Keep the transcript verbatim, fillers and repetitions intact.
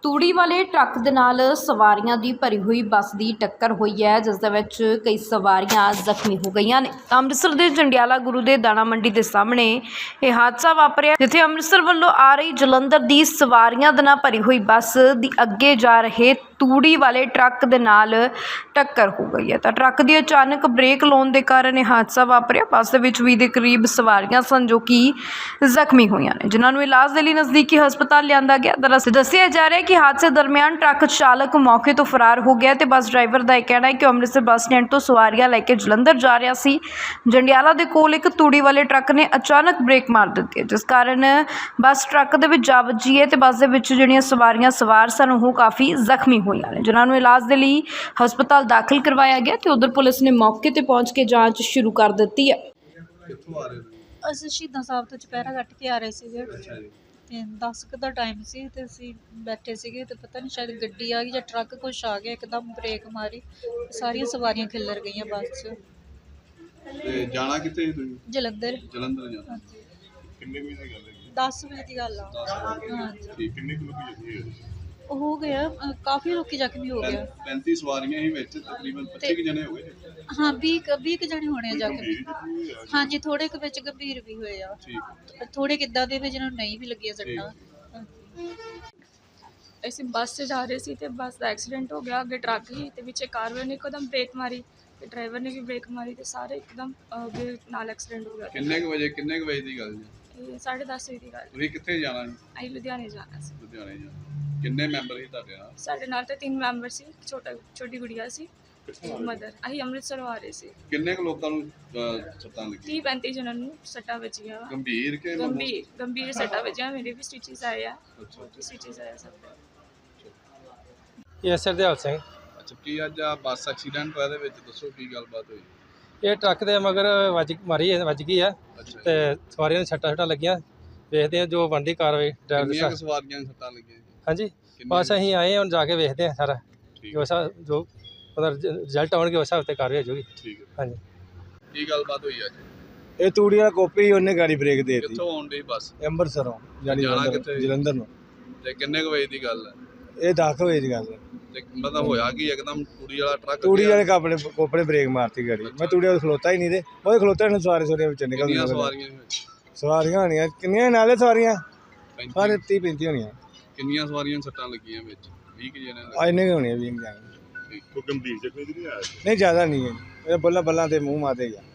ਤੂੜੀ ਵਾਲੇ ਟਰੱਕ ਦੇ ਨਾਲ ਸਵਾਰੀਆਂ ਦੀ ਭਰੀ ਹੋਈ ਬੱਸ ਦੀ ਟੱਕਰ ਹੋਈ ਹੈ, ਜਿਸ ਦੇ ਵਿੱਚ ਕਈ ਸਵਾਰੀਆਂ ਜ਼ਖਮੀ ਹੋ ਗਈਆਂ ਨੇ। ਅੰਮ੍ਰਿਤਸਰ ਦੇ ਜੰਡਿਆਲਾ ਗੁਰੂ ਦੇ ਦਾਣਾ ਮੰਡੀ ਦੇ ਸਾਹਮਣੇ ਇਹ ਹਾਦਸਾ ਵਾਪਰਿਆ, ਜਿੱਥੇ ਅੰਮ੍ਰਿਤਸਰ ਵੱਲੋਂ ਆ ਰਹੀ ਜਲੰਧਰ ਦੀ ਸਵਾਰੀਆਂ ਦੇ ਨਾਲ ਭਰੀ ਹੋਈ ਬੱਸ ਦੀ ਅੱਗੇ ਜਾ ਰਹੇ ਤੂੜੀ ਵਾਲੇ ਟਰੱਕ ਦੇ ਨਾਲ ਟੱਕਰ ਹੋ ਗਈ ਹੈ ਤਾਂ ਟਰੱਕ ਦੀ ਅਚਾਨਕ ਬ੍ਰੇਕ ਲਾਉਣ ਦੇ ਕਾਰਨ ਇਹ ਹਾਦਸਾ ਵਾਪਰਿਆ। ਬੱਸ ਦੇ ਵਿੱਚ ਵੀਹ ਦੇ ਕਰੀਬ ਸਵਾਰੀਆਂ ਸਨ ਜੋ ਕਿ ਜ਼ਖਮੀ ਹੋਈਆਂ ਨੇ, ਜਿਨ੍ਹਾਂ ਨੂੰ ਇਲਾਜ ਦੇ ਲਈ ਨਜ਼ਦੀਕੀ ਹਸਪਤਾਲ ਲਿਆਂਦਾ ਗਿਆ। ਦਰਅਸਲ ਦੱਸਿਆ ਜਾ ਰਿਹਾ ਹੈ ਕਿ ਹਾਦਸੇ ਦਰਮਿਆਨ ਟਰੱਕ ਚਾਲਕ ਮੌਕੇ ਤੋਂ ਫਰਾਰ ਹੋ ਗਿਆ ਤੇ ਬੱਸ ਡਰਾਈਵਰ ਦਾ ਇਹ ਕਹਿਣਾ ਹੈ ਕਿ ਅੰਮ੍ਰਿਤਸਰ ਬੱਸ ਸਟੈਂਡ ਤੋਂ ਸਵਾਰੀਆਂ ਲੈ ਕੇ ਜਲੰਧਰ ਜਾ ਰਿਹਾ ਸੀ। ਜੰਡਿਆਲਾ ਦੇ ਕੋਲ ਇੱਕ ਤੂੜੀ ਵਾਲੇ ਟਰੱਕ ਨੇ ਅਚਾਨਕ ਬ੍ਰੇਕ ਮਾਰ ਦਿੱਤੀ ਹੈ, ਜਿਸ ਕਾਰਨ ਬੱਸ ਟਰੱਕ ਦੇ ਵਿੱਚ ਜਾ ਵੱਜੀ ਹੈ ਤੇ ਬੱਸ ਦੇ ਵਿੱਚ ਜਿਹੜੀਆਂ ਸਵਾਰੀਆਂ ਸਵਾਰ ਸਨ ਉਹ ਕਾਫੀ ਜ਼ਖਮੀ ਹੋਈਆਂ ਨੇ, ਜਿਨ੍ਹਾਂ ਨੂੰ ਇਲਾਜ ਦੇ ਲਈ ਹਸਪਤਾਲ ਦਾਖਲ ਕਰਵਾਇਆ ਗਿਆ ਤੇ ਉਧਰ ਪੁਲਿਸ ਨੇ ਮੌਕੇ ਤੇ ਪਹੁੰਚ ਕੇ ਜਾਂਚ ਸ਼ੁਰੂ ਕਰ ਦਿੱਤੀ ਹੈ। ਕਿੱਥੋਂ ਆ ਰਹੇ ਹੋ? ਅਸੀਂ ਸ਼ਹੀਦਾਂ ਸਾਹਿਬ ਤੋਂ ਚੁਪਹਿਰਾ ਕੱਟ ਕੇ ਆ ਰਹੇ ਸੀਗੇ ਤੇ ਦਸ ਕੁ ਦਾ ਟਾਈਮ ਸੀ ਤੇ ਅਸੀਂ ਬੈਠੇ ਸੀਗੇ ਤੇ ਪਤਾ ਨਹੀਂ ਸ਼ਾਇਦ ਗੱਡੀ ਆ ਗਈ ਜਾਂ ਟਰੱਕ ਕੁਛ ਆ ਗਿਆ, ਇੱਕਦਮ ਬ੍ਰੇਕ ਮਾਰੀ, ਸਾਰੀਆਂ ਸਵਾਰੀਆਂ ਖਿੱਲਰ ਗਈਆਂ ਬੱਸ 'ਚ। ਤੇ ਜਾਣਾ ਕਿੱਥੇ ਸੀ ਤੁਸੀਂ? ਜਲੰਧਰ। ਜਲੰਧਰ ਜਾਣਾ। ਹਾਂਜੀ, ਕਿੰਨੇ ਵਜੇ ਦੀ ਗੱਲ ਹੈ? ਦਸ ਵਜੇ ਦੀ ਗੱਲ ਆ। ਹਾਂਜੀ, ਠੀਕ, ਕਿੰਨੇ ਕੁ ਲੋਕੀ ਜ਼ਖਮੀ ਹੋਏ? ਹੋ ਗਿਆ ਅ, ਕਾਫੀ ਲੋਕੀ ਜ਼ਖਮੀ ਹੋ ਗਏ। ਪੈਂਤੀ ਸਵਾਰੀਆਂ ਹੀ ਵਿੱਚ, ਤਕਰੀਬਨ ਪੱਚੀ ਕੁ ਜਣੇ ਹੋ ਗਏ। ਹਾਂ, ਵੀਹ ਕੁ- ਵੀਹ ਕੁ ਜਣੇ ਹੋਣੇ ਆ ਜ਼ਖਮੀ। ਗੰਭੀਰ ਜ਼ਖਮੀ ਹੋਏ ਆ? ਹਾਂਜੀ, ਥੋੜੇ ਕੁ ਵਿੱਚ ਗੰਭੀਰ ਵੀ ਹੋਏ ਆ, ਠੀਕ, ਥੋੜੇ ਕਿੱਦਾਂ ਦੇ ਵੀ ਜਿਹਨਾਂ ਨੂੰ ਨਹੀਂ ਵੀ ਲੱਗੀਆਂ ਸੱਟਾਂ। ਅਸੀਂ ਬੱਸ 'ਚ ਜਾ ਰਹੇ ਸੀ ਤੇ ਬੱਸ ਦਾ ਐਕਸੀਡੈਂਟ ਹੋ ਗਿਆ। ਅੱਗੇ ਟਰੱਕ ਸੀ ਤੇ ਪਿੱਛੇ ਕਾਰ ਵਾਲੇ ਨੇ ਇੱਕਦਮ ਬ੍ਰੇਕ ਮਾਰੀ ਤੇ ਡਰਾਈਵਰ ਨੇ ਵੀ ਬ੍ਰੇਕ ਮਾਰੀ ਤੇ ਸਾਰੇ ਇੱਕਦਮ ਅਹ, ਅੱਗੇ ਨਾਲ ਐਕਸੀਡੈਂਟ ਹੋ ਗਿਆ। ਕਿੰਨੇ ਕੁ ਵਜੇ ਕਿੰਨੇ ਕੁ ਵਜੇ ਦੀ ਗੱਲ ਜੀ? ਇਹ ਸਾਢੇ ਦਸ ਵਜੇ ਦੀ ਗੱਲ। ਤੁਸੀਂ ਕਿੱਥੇ ਜਾਣਾ ਸੀ? ਅਸੀਂ ਲੁਧਿਆਣੇ ਜਾਣਾ ਸੀ। ਲੁਧਿਆਣੇ ਜਾਣਾ। ਕਿੰਨੇ ਮੈਂਬਰ ਸੀ ਤੁਹਾਡੇ ਨਾਲ? ਸਾਡੇ ਨਾਲ ਤਾਂ ਤਿੰਨ ਮੈਂਬਰ ਸੀ, ਛੋਟਾ ਛੋਟੀ ਗੁੜੀਆ ਸੀ, ਮਦਰ। ਅਸੀਂ ਅੰਮ੍ਰਿਤਸਰੋਂ ਆ ਰਹੇ ਸੀ। ਕਿੰਨੇ ਕੁ ਲੋਕਾਂ ਨੂੰ ਅਹ, ਸੱਟਾਂ ਲੱਗੀਆਂ? ਤੀਹ ਪੈਂਤੀ ਜਣਾਂ ਨੂੰ ਸੱਟਾਂ ਵੱਜੀਆਂ ਵਾ। ਗੰਭੀਰ ਕਿ ਗੰਭੀਰ ਗੰਭੀਰ ਸੱਟਾਂ ਵੱਜੀਆਂ। ਮੇਰੇ ਵੀ ਸਟਿਚਸ ਆਏ ਆ, ਅੱਛਾ, ਸਟਿਚਸ ਆਏ ਆ ਸਭ ਦੇ। ਇਹ ਸਰਦੇਵ ਸਿੰਘ। ਅੱਛਾ, ਕੀ ਅੱਜ ਆ ਬੱਸ ਐਕਸੀਡੈਂਟ ਹੋਇਆ, ਇਹਦੇ ਵਿੱਚ ਦੱਸੋ ਕੀ ਗੱਲਬਾਤ ਹੋਈ? ਇਹ ਟਰੱਕ ਦੇ ਮਗਰ ਵੱਜ ਮਾਰੀ ਹੈ- ਵੱਜ ਗਈ ਆ ਅੱਛਾ, ਤੇ ਸਵਾਰੀਆਂ ਨੂੰ ਸੱਟਾਂ ਸੁੱਟਾਂ ਲੱਗੀਆਂ। ਵੇਖਦੇ ਆ ਜੋ ਬਣਦੀ ਕਾਰਵਾਈ ਡਰਾਈਵਰ ਕਿੰਨੀਆਂ ਕੁ ਸਾਹਿਬ। ਸਵਾਰੀਆਂ ਨੂੰ ਸੱਟਾਂ ਲੱਗੀਆਂ ਜੀ? ਹਾਂਜੀ, ਕਿੰਨੀਆਂ? ਬਸ ਅਸੀਂ ਆਏ ਹੁਣ ਜਾ ਕੇ ਵੇਖਦੇ ਆ ਸਾਰਾ ਠੀਕ ਜੋ ਹੈ, ਸਾ ਜੋ ਉਹਦਾ ਰਿਜ਼ਲਟ ਆਉਣਗੇ ਉਸ ਹਿਸਾਬ ਤੇ ਕਾਰਵਾਈ ਹੋ ਜਾਊਗੀ। ਠੀਕ ਹੈ। ਹਾਂਜੀ, ਕੀ ਗੱਲਬਾਤ ਹੋਈ ਅੱਜ? ਇਹ ਤੂੜੀ ਵਾਲਾ ਕੋਪੀ ਉਹਨੇ ਗਾੜੀ ਬ੍ਰੇਕ ਦੇ ਦਿੱਤੀ ਕਿੱਥੋਂ ਆਉਣ ਡਈ ਬੱਸ? ਅੰਮ੍ਰਿਤਸਰੋਂ ਜਾਨੀ ਜਾਣਾ ਜਲੰਧਰ ਕਿੱਥੇ? ਜਲੰਧਰ ਨੂੰ। ਤੇ ਕਿੰਨੇ ਕੁ ਵਜੇ ਦੀ ਗੱਲ ਹੈ? ਇਹ ਦਸ ਵਜੇ ਦੀ ਗੱਲ ਹੈ। ਤੇ ਮਤਲਬ ਹੋਇਆ ਕੀ ਇੱਕਦਮ ਤੂੜੀ ਵਾਲਾ ਟਰੱਕ ਤੂੜੀ ਗਿਆ? ਵਾਲੇ ਕਾਪੜੇ ਕੋਪੜੇ ਬ੍ਰੇਕ ਮਾਰਤੀ ਗਾੜੀ। ਮੈਂ ਤੂੜੀ ਵਾਲੇ ਖਲੋਤਾ ਹੀ ਨਹੀਂ ਤੇ ਉਹ ਖਲੋਤੇ ਨੇ ਸਵਾਰੇ ਸਵਾਰੀਆਂ ਵਿੱਚ ਨਿਕਲ ਕਿੰਨੀਆਂ ਗਈਆਂ। ਸਵਾਰੀਆਂ ਸੀ ਵਿੱਚ? ਸਵਾਰੀਆਂ ਹੋਣੀਆਂ ਕਿੰਨੀਆਂ ਨਾਲੇ ਸਵਾਰੀਆਂ ਪੈਂਤੀ? ਸਾਰੇ ਤੀਹ ਪੈਂਤੀ ਹੋਣੀਆਂ। ਕਿੰਨੀਆਂ ਸਵਾਰੀਆਂ ਨੂੰ ਸੱਟਾਂ ਲੱਗੀਆਂ ਵਿੱਚ? ਵੀਹ ਕੁ ਜਣੇ ਆ ਇੰਨੇ ਕੁ ਹੋਣੀਆਂ ਵੀਹ ਜਾਣੇ। ਕੋਈ ਗੰਭੀਰ ਜ਼ਖਮੀ ਨਹੀਂ ਆਇਆ? ਨਹੀਂ ਜ਼ਿਆਦਾ ਨਹੀਂ ਹੈ, ਇਹ ਬੱਲਾ ਬੱਲਾ ਤੇ ਮੂੰਹ ਮਾਤੇ ਗਿਆ।